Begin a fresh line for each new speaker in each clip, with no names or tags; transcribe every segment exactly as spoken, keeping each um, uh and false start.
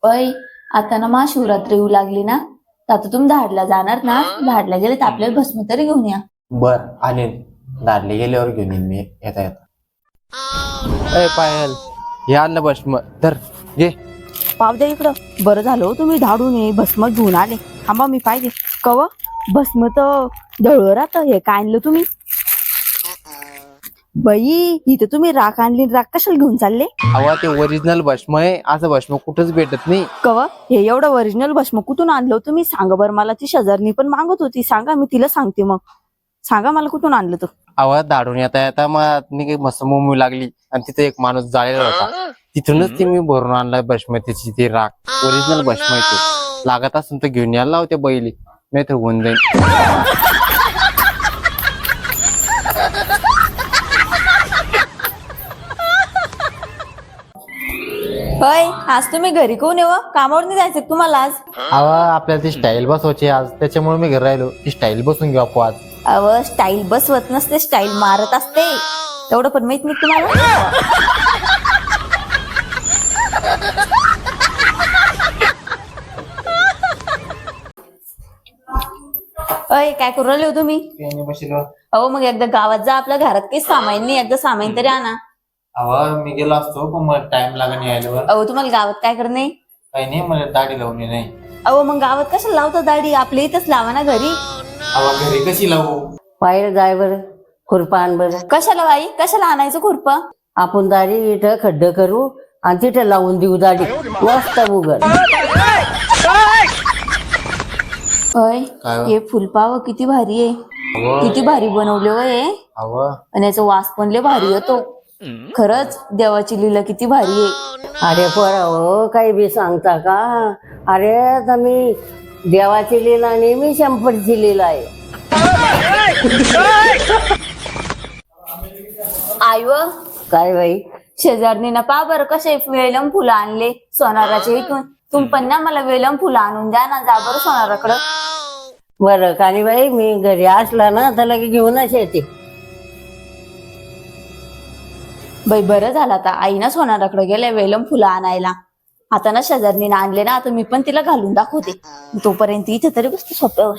अय आता ना महाशिवरात्री येऊ लागली ना, तर आता तुम्ही धाडला जाणार ना, धाडला गेले तर आपल्याला भस्म तरी घेऊन या.
बर आले, दारले गेल्यावर घेऊन येईन मी येता येता. अय पायल, हे आणलं भस्म तर घे.
पाव द्या इकडं. बरं झालं हो तुम्ही धाडून ये भस्म घेऊन आले. थांबा मी पाहिजे कव भस्म तर दळवर राहतं. हे काय आणलं तुम्ही बाई? इथं तुम्ही राख आणली, राख कशाला घेऊन चालले?
अवा ते ओरिजिनल भस्म आहे, असं भस्म कुठंच भेटत नाही.
कव हे एवढं ओरिजिनल भस्म कुठून आणलं तुम्ही? सांगा बरं मला. ती शेजारनी पण मागत होती. सांगा, मी तिला सांगते. मग सांगा मला कुठून आणलं तर.
अवा दाडून येता येता मग मस्त मोमू लागली आणि तिथे एक माणूस जाळलेला होता. तिथूनच ते मी भरून आणलाय भस्म. त्याची ती राख ओरिजिनल भस्म आहे. तो लागत असून तर घेऊन यायला लावते बैली, नाही तर होऊन जाईल.
होय, आज तुम्ही घरी कोण येव? कामावर नाही जायचं तुम्हाला आज?
अवा आपल्याला ती स्टाईल बसवायची आज, त्याच्यामुळे मी घरी राहिलो. ती स्टाईल बसून घेऊ आपण आज.
अव स्टाईल बसवत नसते, स्टाईल मारत असते. तेवढं पण माहित नाही तुम्हाला? अय काय करू राहिले हो तुम्ही? अहो मग एकदा गावात जा. आपल्या घरात काही सामान नाही, एकदा सामान तरी आणा.
अवा मी गेलो असतो पण मला टाइम लागेल यायला.
अहो तुम्हाला गावात काय करणे?
काही नाही, मला दाढी लावून नाही.
अहो मग गावात कशाला लावता दाढी? आपल्या इथंच लावा ना घरी.
अवा घरी कशी लावू?
बाहेर जाय बरं, खुरपा आण बरं.
कशाला बाई? कशाला आणायचं खुरप?
आपण दाढी इथं खड्ड करू आणि तिथं लावून देऊ दाढी. मस्त उघड.
अय
काय?
हे फुलपाव किती भारी आहे.
अवा
किती भारी बनवले हो हे.
अवा
आणि याचा वास पण लय भारी येतो. खरंच देवाची लीला किती भारी आहे.
अरे पोरा हो, काही बी सांगता का? अरे आता मी देवाची लीला आणि मी शंभरची लीला आहे.
आईव
काय बाई?
शेजारनी ना पा बरं कसे वेलम फुलं आणले सोनाराचे इथून. तुम पण ना मला वेलम फुलं आणून द्या ना. जा बरं सोनाराकडं.
बरं कानी बाई, मी घरी असला ना तर लगे घेऊनच येते.
बाई बरं झालं आता आई ना सोनाराकडे गेले वेलम फुलं आणायला. आता ना शेजारनी ना आणले ना, आता मी पण तिला घालून दाखवते. तोपर्यंत इथे तरी बसते सोप्यावर.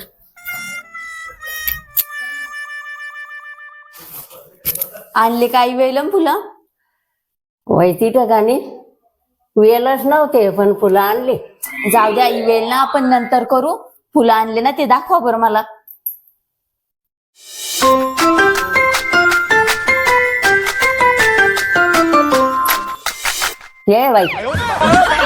आणले काही वेलम फुलं?
वैती ठिकाणी वेलच नव्हते पण फुलं आणली.
जाऊ द्या आई, वेल ना आपण नंतर करू. फुलं आणले ना ते दाखवा बरं मला.
ये बाई.